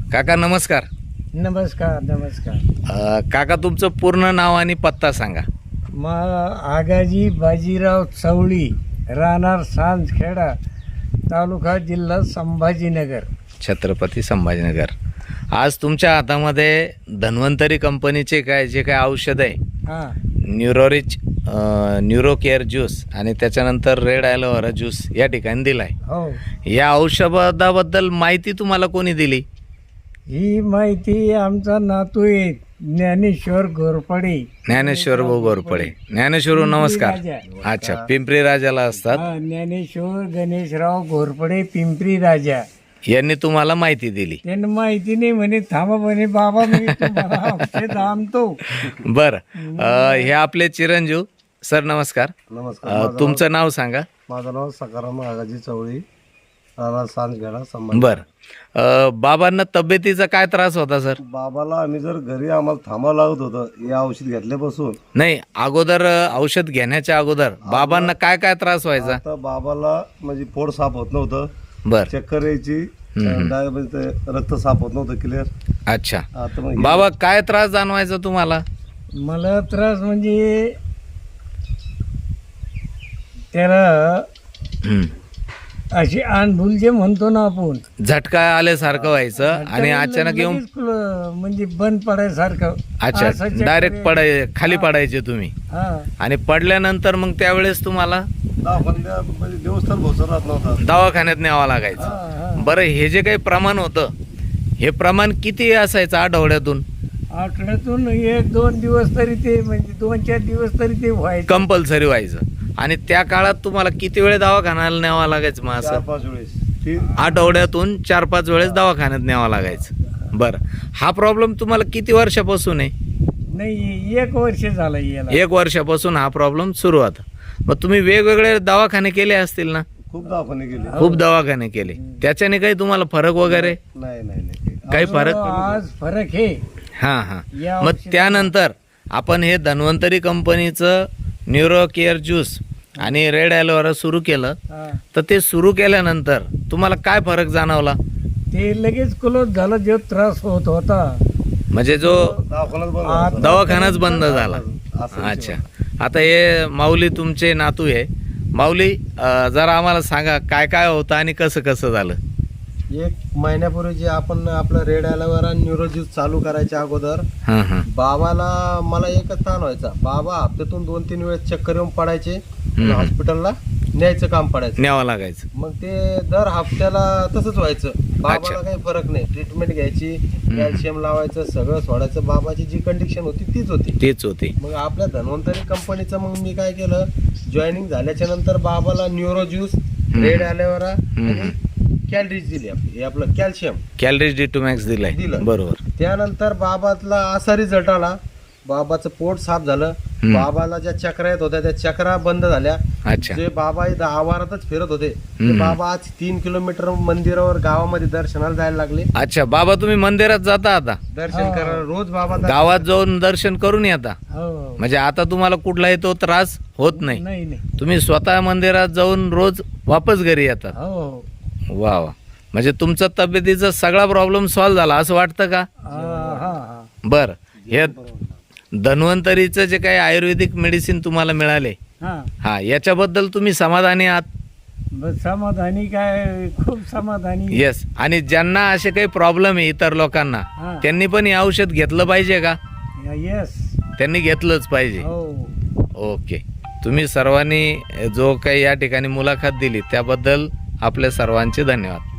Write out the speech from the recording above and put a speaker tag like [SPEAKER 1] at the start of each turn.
[SPEAKER 1] काका नमस्कार.
[SPEAKER 2] नमस्कार नमस्कार.
[SPEAKER 1] काका तुमचं पूर्ण नाव आणि पत्ता सांगा.
[SPEAKER 2] आगाजी बाजीराव चवळी, राहणार सांजखेडा, तालुका जिल्हा संभाजीनगर,
[SPEAKER 1] छत्रपती संभाजीनगर. आज तुमच्या हातामध्ये धन्वंतरी कंपनीचे जे काय औषध आहे,
[SPEAKER 2] हां
[SPEAKER 1] न्यूरोरिच न्यूरो केअर ज्यूस आणि त्याच्यानंतर रेड ॲलोवेरा ज्यूस या ठिकाणी दिला आहे.
[SPEAKER 2] हो.
[SPEAKER 1] या औषधाबद्दल माहिती तुम्हाला कोणी दिली?
[SPEAKER 2] ही माहिती आमचा नातू आहे ज्ञानेश्वर घोरपडे.
[SPEAKER 1] ज्ञानेश्वर भाऊ घोरपडे. ज्ञानेश्वर भाऊ, नमस्कार. अच्छा, पिंपरी राजाला असतात.
[SPEAKER 2] ज्ञानेश्वर गणेशराव घोरपडे, पिंपरी राजा
[SPEAKER 1] यांनी तुम्हाला माहिती दिली.
[SPEAKER 2] त्यांना माहिती नाही म्हणे, थांबा म्हणे बाबा मी तुम्हाला औषध आणतो.
[SPEAKER 1] बरं, हे आपले चिरंजीव सर, नमस्कार.
[SPEAKER 3] नमस्कार.
[SPEAKER 1] तुमचं नाव सांगा.
[SPEAKER 3] माझं नाव सकाराम आगाजी चवळी, राहणार सांजखेडा संभाजी.
[SPEAKER 1] बरं, बाबांना तब्येतीचा काय त्रास होता सर?
[SPEAKER 3] बाबाला आम्ही जर घरी आम्हाला थांबावं लागत होतं हे औषध घेतल्यापासून.
[SPEAKER 1] नाही, अगोदर औषध घेण्याच्या अगोदर बाबांना काय काय त्रास व्हायचा?
[SPEAKER 3] आता बाबाला म्हणजे पोट साफ होत नव्हतं,
[SPEAKER 1] बर,
[SPEAKER 3] चक्कर यायची, रक्त साफ होत नव्हतं क्लिअर.
[SPEAKER 1] अच्छा.
[SPEAKER 3] आता मग
[SPEAKER 1] बाबा काय त्रास जाणवायचा तुम्हाला?
[SPEAKER 2] मला त्रास म्हणजे त्याला
[SPEAKER 1] हम्म.
[SPEAKER 2] अशी आंधुल जे म्हणतो ना आपण,
[SPEAKER 1] झटका आल्यासारखं व्हायचं आणि अचानक येऊन
[SPEAKER 2] लगेच म्हणजे बंद पडायसारखं.
[SPEAKER 1] अच्छा,
[SPEAKER 2] असं चक्कर
[SPEAKER 1] डायरेक्ट खाली पडायचे तुम्ही.
[SPEAKER 2] हा.
[SPEAKER 1] आणि पडल्यानंतर मग त्यावेळेस तुम्हाला
[SPEAKER 3] दवाखान्यात म्हणजे देवस्थान पोहोचत राहत नव्हता.
[SPEAKER 1] दवाखान्यात न्यावं
[SPEAKER 2] हा,
[SPEAKER 1] लागायचं.
[SPEAKER 2] हा.
[SPEAKER 1] बरं, हे जे काही प्रमाण होतं, हे प्रमाण किती असायचं आठवड्यातून?
[SPEAKER 2] आठवड्यातून 1-2 दिवस तरी ते म्हणजे 2-4 दिवस तरी ते व्हायचं.
[SPEAKER 1] कंपल्सरी व्हायचं. आणि त्या काळात तुम्हाला किती वेळ दवाखान्याला न्यावं लागायचं? मग असं
[SPEAKER 3] 4-5 वेळेस
[SPEAKER 1] आठवड्यातून 4-5 वेळेस दवाखान्यात न्यावं लागायचं. बरं, हा प्रॉब्लेम तुम्हाला किती वर्षापासून आहे?
[SPEAKER 2] नाही, 1 वर्ष झालं याला.
[SPEAKER 1] 1 वर्षापासून हा प्रॉब्लेम सुरू होता. मग तुम्ही वेगवेगळे दवाखाने केले असतील ना?
[SPEAKER 3] खूप दवाखाने गेले.
[SPEAKER 1] खूप दवाखाने केले. त्याच्याने काही तुम्हाला फरक वगैरे
[SPEAKER 3] नाही नाही नाही.
[SPEAKER 1] काही फरक?
[SPEAKER 2] आज फरक हे.
[SPEAKER 1] हां हां.
[SPEAKER 2] या
[SPEAKER 1] मग
[SPEAKER 2] औषधाला-
[SPEAKER 1] त्यानंतर आपण हे धन्वंतरी कंपनीचं न्यूरो केअर ज्यूस आणि रेड ॲलोवेरा सुरू केलं.
[SPEAKER 2] हा.
[SPEAKER 1] तर ते सुरू केल्यानंतर तुम्हाला काय फरक जाणवला?
[SPEAKER 2] ते लगेच क्लोज झालं, जो त्रास होत होता.
[SPEAKER 1] म्हणजे जो
[SPEAKER 3] दवाखानाच बंद
[SPEAKER 2] आता-
[SPEAKER 3] होता.
[SPEAKER 1] दवाखानाच बंद झाला.
[SPEAKER 3] असं
[SPEAKER 1] अच्छा. आता हे माऊली तुमचे नातू आहे. माऊली, जरा आम्हाला सांगा काय काय होतं आणि कसं कसं झालं?
[SPEAKER 4] 1 महिन्यापूर्वी जे आपण आपलं रेड ॲलोवेरा न्यूरो ज्यूस चालू करायच्या अगोदर
[SPEAKER 1] हां हां.
[SPEAKER 4] बाबाला मला एकच ताण व्हायचा. बाबा हप्त्यातून 2-3 वेळेस चक्कर येऊन पडायचे,
[SPEAKER 1] हम्म.
[SPEAKER 4] हॉस्पिटलला न्यायचं काम पडायचं.
[SPEAKER 1] न्यावं लागायचं.
[SPEAKER 4] मग ते दर हप्त्याला तसंच व्हायचं.
[SPEAKER 1] अच्छा.
[SPEAKER 4] बाबाला काही फरक नाही. ट्रीटमेंट घ्यायची, कॅल्शियम लावायचं, सगळं सोडायचं. बाबाची जी कंडिशन होती तीच होती.
[SPEAKER 1] तेच होते.
[SPEAKER 4] मग आपल्या धन्वंतरी कंपनीचं मग मी काय केलं, जॉईनिंग झाल्याच्या नंतर बाबाला न्यूरो ज्यूस, रेड ॲलोवेरा आणि कॅलरीज दिली. हे आपलं कॅल्शियम
[SPEAKER 1] कॅलरीज D2 दिलाय.
[SPEAKER 4] दिलं.
[SPEAKER 1] बरोबर.
[SPEAKER 4] त्यानंतर बाबातला असा रिझल्ट आला. बाबाचं पोट साफ झालं. बाबाला ज्या चक्रा येत होत्या त्या चक्रा बंद झाल्या.
[SPEAKER 1] अच्छा.
[SPEAKER 4] जे बाबा इथं आवारातच फिरत होते ते
[SPEAKER 1] हम्म.
[SPEAKER 4] बाबा आज 3 किलोमीटर मंदिरावर गावामध्ये दर्शनाला जायला लागले.
[SPEAKER 1] अच्छा, बाबा तुम्ही मंदिरात जाता आता?
[SPEAKER 4] दर्शन
[SPEAKER 2] हा.
[SPEAKER 4] करायला रोज बाबा
[SPEAKER 1] गावात जाऊन दर्शन करून येता?
[SPEAKER 2] हो.
[SPEAKER 1] म्हणजे आता तुम्हाला कुठलाही तो त्रास होत नाही.
[SPEAKER 2] नाही नाही.
[SPEAKER 1] तुम्ही स्वतः मंदिरात जाऊन रोज वापस घरी येतात.
[SPEAKER 2] हो.
[SPEAKER 1] वा वा. म्हणजे तुमचा तब्येतीचा सगळा प्रॉब्लेम सॉल्व्ह झाला असं वाटतं का?
[SPEAKER 2] हा हा हा.
[SPEAKER 1] बरं, हे धन्वंतरीचं जे काही आयुर्वेदिक मेडिसिन तुम्हाला मिळाले,
[SPEAKER 2] हा.
[SPEAKER 1] हा, याच्याबद्दल तुम्ही समाधानी आहात?
[SPEAKER 2] बस समाधानी, काय खूप समाधानी.
[SPEAKER 1] येस. आणि ज्यांना असे काही प्रॉब्लेम आहे इतर लोकांना,
[SPEAKER 2] हा.
[SPEAKER 1] त्यांनी पण हे औषध घेतलं पाहिजे का?
[SPEAKER 2] येस.
[SPEAKER 1] त्यांनी घेतलंच पाहिजे.
[SPEAKER 2] हो.
[SPEAKER 1] ओके. तुम्ही सर्वांनी जो काही या ठिकाणी मुलाखत दिली त्याबद्दल आपल्या सर्वांचे धन्यवाद.